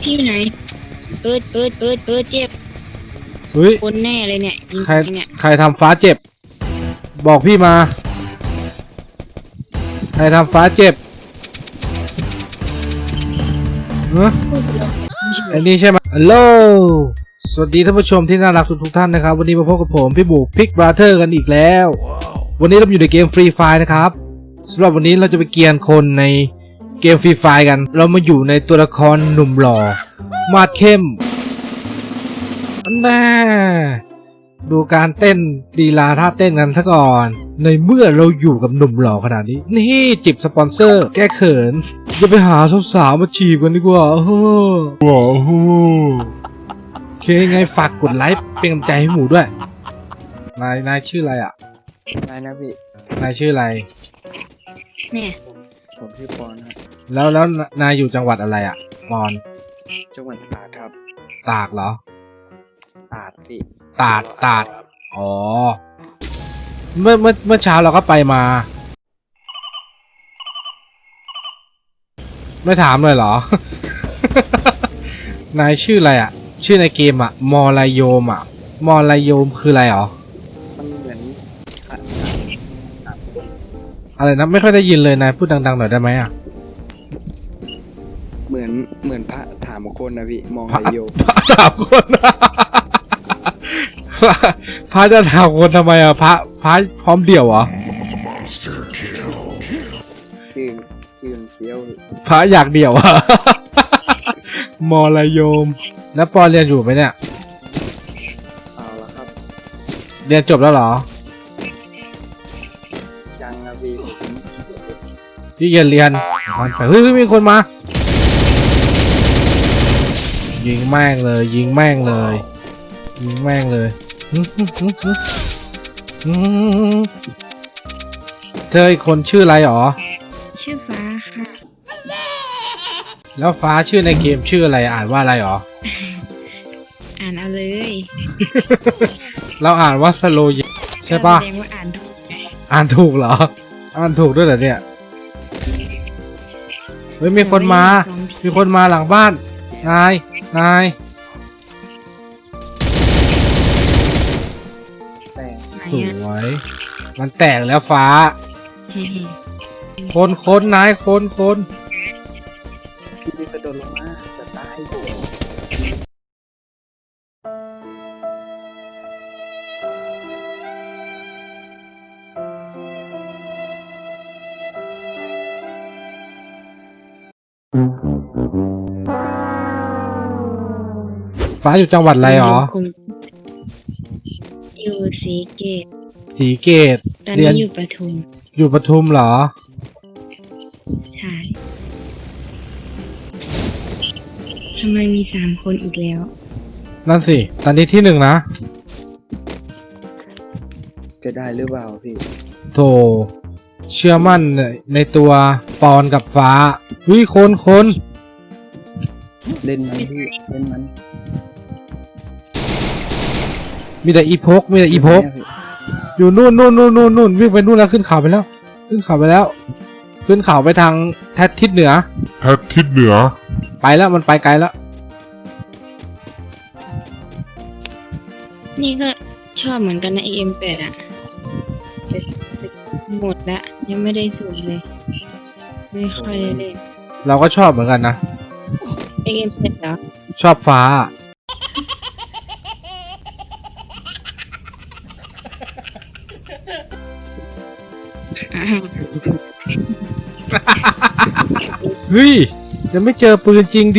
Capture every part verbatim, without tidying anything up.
ที่ไหนเอิร์ดเอิร์ดเอิร์ดเอิร์ดเจ็บเฮ้ยคนแน่เลยเนี่ยยิงใครเนี่ยใครทำฟ้าเจ็บ บอกพี่มา ใครทำฟ้าเจ็บเฮ้ยอันนี้ใช่ไหมฮัลโหลสวัสดีท่านผู้ชมที่น่ารักทุกทุกท่านนะครับวันนี้มาพบกับผมพี่บุกพิกบราเธอร์กันอีกแล้ว วันนี้เราอยู่ในเกมฟรีไฟนะครับสำหรับวันนี้เราจะไปเกียนคนในเกมฟรีไฟกันเรามาอยู่ในตัวละครหนุ่มหล่อมาดเข้มอันแน่ดูการเต้นลีลาท่าเต้นกันซะก่อนในเมื่อเราอยู่กับหนุ่มหล่อขนาดนี้นี่จิบสปอนเซอร์แก้เขินจะไปหาสาวๆมาจีบกันดีกว่าโอ้โหว้าวโอเคไงฝากกดไลค์เป็นกำลังใจให้หมูด้วยนายนายชื่ออะไรอ่ะนายนะพี่นายชื่ออะไรเนี่ยผมชื่อปอนครับแล้วแล้วนายอยู่จังหวัดอะไรอ่ะปอนจังหวัดตราดครับตากเหรอตราดพี่ตาดตาดอ๋อเมื่อเมื่อเมื่อเช้าเราก็ไปมา ไม่ถามเลยเหรอ นายชื่ออะไรอ่ะ ชื่อในเกมอ่ะมอลายโยมอ่ะมอลายโยมคืออะไรหรอมันเหมือนอะอะไรนะไม่ค่อยได้ยินเลยนายพูดดังๆหน่อยได้ไหมอ่ะเหมือนเหมือนพระถามคนนะพี่มองพระไอโยพระถามคน พระพระจะถามคนทำไมอ่ะพระพระพร้อมเดี่ยวเหรอชื่อชื่อเคี้ยวพระอยากเดี่ยวอ่ะ มอลายโยมแล้วปอเรียนอยู่ไหมเนี่ยเอาละครับเรียนจบแล้วเหรอยังนะพี่ผมพี่เรียนเรียนมันไปเฮ้ยเฮ้ยมีคนมา ยิงแม่งเลย ยิงแม่งเลย ยิงแม่งเลยหึหึหึหึหึเธออีกคนชื่ออะไรหรอชื่อฟ้าค่ะแล้วฟ้าชื่อในเกมชื่ออะไรอ่านว่าอะไรหรออ่านเอาเลยเราอ่านว่าสโลยใช่ปะแสดงว่าอ่านถูกไงอ่านถูกเหรอ อ่านถูกด้วยเหรอเนี่ย เฮ้ยมีคนมา มีคนมาหลังบ้าน นาย นายแต่ไหนสอะวย มันแตกแล้วฟ้าเฮ้ยคนคนนายคนคนพี่กระโดดลงมาจะตายฟ้าอยู่จังหวัดอะไรหรอคุณอยู่สีเกตสีเกตตอนเรียนี้นอยู่ปทุมอยู่ปทุมเหรอใช่ทำไมมีสามคนอีกแล้วนั่นสิ ตอนนี้ที่หนึ่งนะจะได้หรือเปล่าพี่โถเชื่อมั่นในตัวปอนกับฟ้าวิคนคนเล่นมันพี่เล่นมันมีแต่อีพก มีแต่อีพกแม่พี่อยู่นู่นนู่นนู่นนู่นนู่นวิ่งไปนู่นแล้วขึ้นเขาไปแล้ว ขึ้นเขาไปแล้ว ขึ้นเขาไปทางแทดทิศเหนือแพททิศเหนือไปแล้วมันไปไกลแล้วนี่ก็ชอบเหมือนกันนะ เอ็ม แปด อ่ะแต่แต่หมดละยังไม่ได้สูงเลย ไม่ค่อยได้เล่นเราก็ชอบเหมือนกันนะเอ็ม แปด เหรอชอบฟ้าอ้าวเฮ้ยยังไม่เจอปืนจริงดี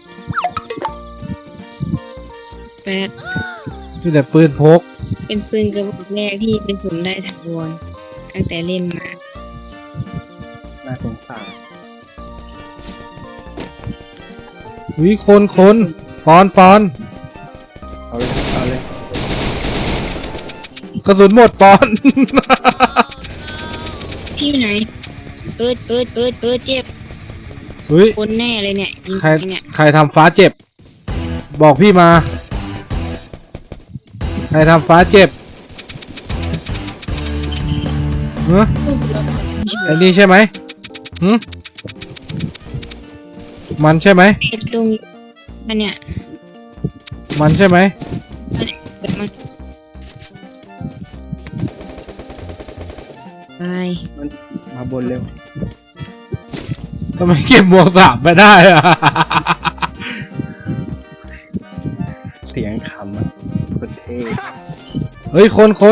แปดมีแต่ปืนพกเป็นปืนกระบอกแรกที่เป็นผมได้ถาวรตั้งแต่เล่นมาน่าสงสารวิคนคนปอนปอนเอาเลยเอาเลยกระสุนหมดปอนที่ไหน เอิร์ดเอิร์ดเอิร์ดเอิร์ดเจ็บเฮ้ยคนแน่เลยเนี่ยยิงใครเนี่ยใครทำฟ้าเจ็บ บอกพี่มา ใครทำฟ้าเจ็บเฮ้ยไอ้นี่ใช่ไหมหืมมันใช่ไหมไอ้ตรงอันเนี้ยมันใช่ไหมเดี๋ยวมันตายมันมาบนเร็วทำไมเก็บหมวกสามไม่ได้อะเสียงขำอ่ะคนเท่เฮ้ยคนคน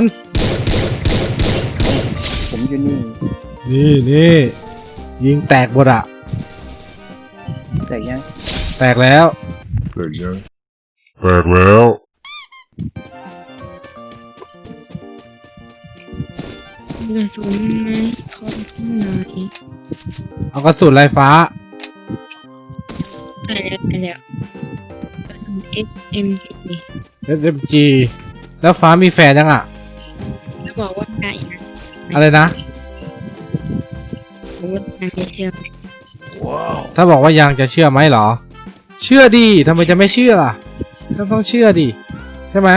ผมอยู่นี่นี่นี่ยิงแตกหมดอะแต่ยังแตกแล้วแตกยังแตกแล้วกระสุนไหมขอดูหน่อยเอากระสุนลายฟ้าไปแล้วไปแล้วกระสุน เอส เอ็ม จีเอส เอ็ม จี แล้วฟ้ามีแฟนยังอ่ะแล้วบอกว่าไงนะอะไรนะบอกว่านางจะเชื่อไหมถ้าบอกว่ายังจะเชื่อไหมเหรอ เชื่อดีทำไมจะไม่เชื่อล่ะก็ต้องเชื่อดิใช่ไหม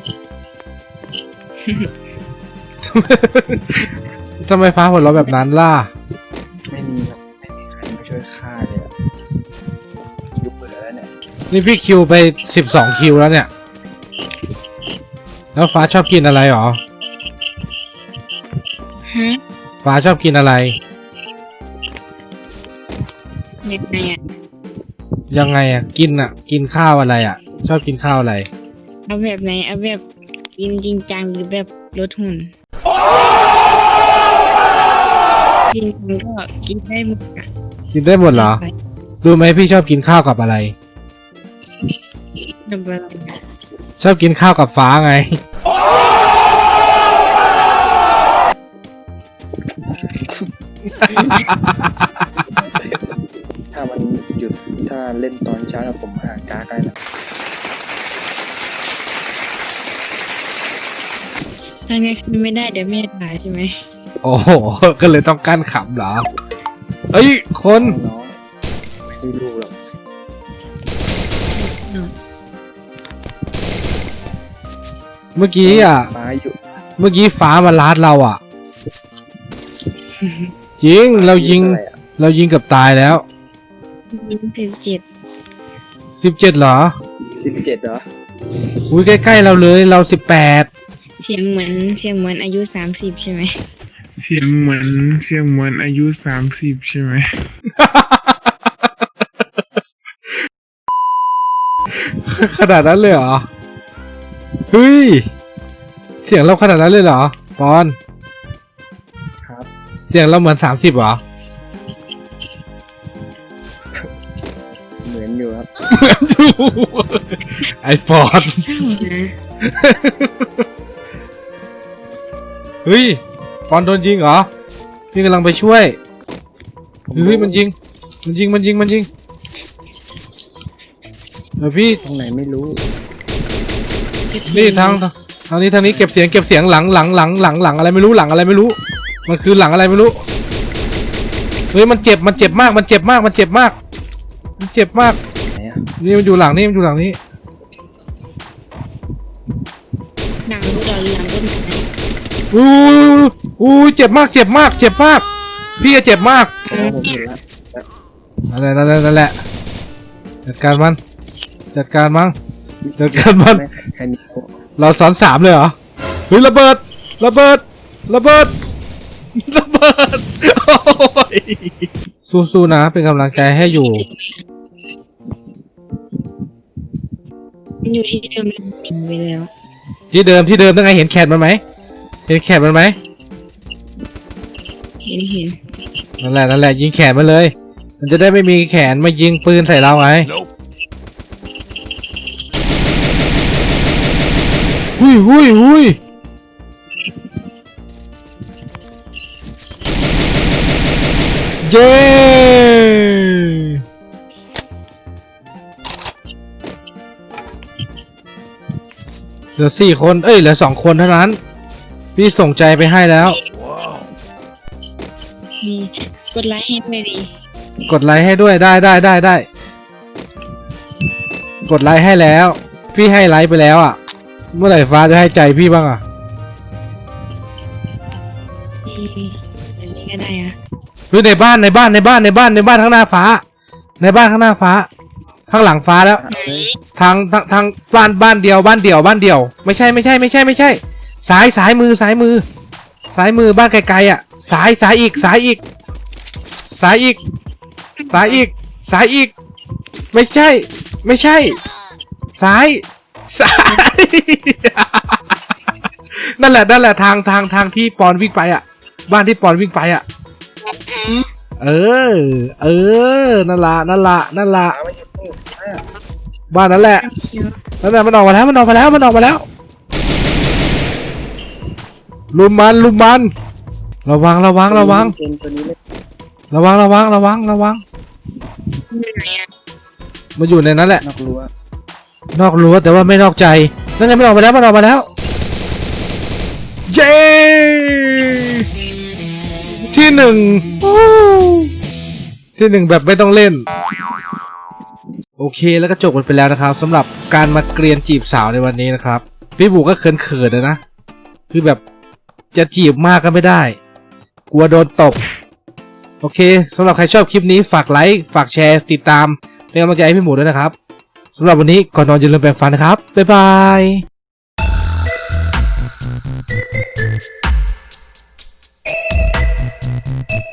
ทำไมฟ้าหัวเราะแบบนั้นล่ะไม่มีแบบไม่มีใครมาช่วยฆ่าเลยอะคิวเปิดแล้วเนี่ยนี่พี่คิวไปสิบสองคิวแล้วเนี่ย แล้วฟ้าชอบกินอะไรหรอฮะฟ้าชอบกินอะไรยังไงอ่ะยังไงอ่ะ กินอ่ะ กินข้าวอะไรอ่ะ ชอบกินข้าวอะไรเอาแบบไหนเอาแบบกินจริงจังหรือแบบลดหุ่นกินมันก็กินได้หมดอ่ะกินได้หมดเหรอ รู้ไหมพี่ชอบกินข้าวกับอะไรดับเบิลชอบกินข้าวกับฟ้าไงถ้ามันหยุดถ้าเล่นตอนเช้าแล้วผมหาการ์ดได้นะถ้างั้นคือไม่ได้เดี๋ยวแม่ด่าใช่ไหมโอ้โห ก็เลยต้องกั้นขำเหรอ เอ้ย คนน้องๆไม่รู้หรอกเมื่อกี้อ่ะฟ้าอยู่เมื่อกี้ฟ้ามาลาดเราอ่ะ ยิง เรายิงอะไรอะเรายิงเกับตายแล้วยิงสิบเจ็ดสิบเจ็ดเหรอสิบเจ็ดเหรออุ้ยใกล้ๆเราเลย เราสิบแปดเสียงเหมือนเสียงเหมือนอายุสามสิบใช่ไหมเสียงเหมือนเสียงเหมือนอายุสามสิบใช่ไหมขนาดนั้นเลยเหรอ เฮ้ย เสียงเราขนาดนั้นเลยเหรอ ปอนครับเสียงเราเหมือนสามสิบเหรอเหมือนอยู่ครับถูกไอปอนเศร้านะเฮ้ย ปอนโดนยิงเหรอนี่กำลังไปช่วย เฮ้ย มันยิง มันยิง มันยิง มันยิง เดี๋ยวพี่ตรงไหนไม่รู้นี่ทางทางนี้ทางนี้เก็บเสียงเก็บเสียงหลังหลังหลังหลังหลังอะไรไม่รู้หลังอะไรไม่รู้ มันคือหลังอะไรไม่รู้ เฮ้ย มันเจ็บ มันเจ็บมาก มันเจ็บมาก มันเจ็บมาก มันเจ็บมากไหนอะนี่มันอยู่หลังนี่มันอยู่หลังนี้หนังรู้เราหลังต้นไม้อู้อู้เจ็บมาก เจ็บมาก เจ็บมาก พี่อะเจ็บมากอ๋อผมเห็นแล้วนั่นแหละนั่นแหละนั่นแหละ จัดการมัน จัดการมัน จัดการมันไม่ใครมีโอ้เราซ้อนสามเลยเหรอ เฮ้ยระเบิด ระเบิด ระเบิด ระเบิด โอ้ยสู้ๆนะ เป็นกำลังใจให้อยู่มันอยู่ที่เดิมแล้วหนีไปแล้วที่เดิมที่เดิมตั้งไงเห็นแขนมันไหม เห็นแขนมันไหมเห็นเห็นนั่นแหละนั่นแหละยิงแขนมันเลย มันจะได้ไม่มีแขนมายิงปืนใส่เราไงหุ้ยหุ้ยหุ้ยเย้เหลือสี่คน เอ้ยเหลือสองคนเท่านั้น พี่ส่งใจไปให้แล้วมีกดไลค์ให้ด้วยดิกดไลค์ให้ด้วยได้ได้ได้ได้ กดไลค์ให้แล้ว พี่ให้ไลค์ไปแล้วอ่ะ เมื่อไหร่ฟ้าจะให้ใจพี่บ้างอ่ะอืมอันนี้ก็ได้อะหรือในบ้านในบ้านในบ้านในบ้านในบ้านข้างหน้าฟ้า ในบ้านข้างหน้าฟ้าข้างหลังฟ้าแล้วเอาเลยทางทางทางบ้านบ้านเดียวบ้านเดียวบ้านเดียว ไม่ใช่ไม่ใช่ไม่ใช่ไม่ใช่ซ้ายซ้ายมือซ้ายมือซ้ายมือบ้านไกลๆอ่ะซ้ายซ้ายอีกซ้ายอีกซ้ายอีกซ้ายอีกซ้ายอีก ไม่ใช่ ไม่ใช่ ซ้ายซ้าย นั่นแหละนั่นแหละทางทางทางที่ปอนวิ่งไปอ่ะ บ้านที่ปอนวิ่งไปอ่ะ เออ เออนั่นละนั่นละนั่นละเอาไม่หยุดไม่หยุดไม่หยุดบ้านนั้นแหละนั่นแหละมันออกมาแล้วมันออกมาแล้วมันออกมาแล้วลุมมันลุมมันระวังระวังระวังเกมตัวนี้เลยระวังระวังระวังระวังมันอยู่ในนั้นแหละนอกรั้วนอกรั้วแต่ว่าไม่นอกใจนั่นไงมันออกมาแล้วมันออกมาแล้วเย้ที่หนึ่งอู้ที่หนึ่งแบบไม่ต้องเล่นโอเคแล้วก็จบกันไปแล้วนะครับสำหรับการมาเกรียนจีบสาวในวันนี้นะครับพี่บุกก็เขินเขินๆนะคือแบบจะจีบมากก็ไม่ได้กลัวโดนตบโอเคสำหรับใครชอบคลิปนี้ฝากไลค์ฝากแชร์ติดตามเป็นกำลังใจให้พี่หมูด้วยนะครับสำหรับวันนี้ก่อนนอนอย่าลืมแปรงฟันนะครับบ๊ายบาย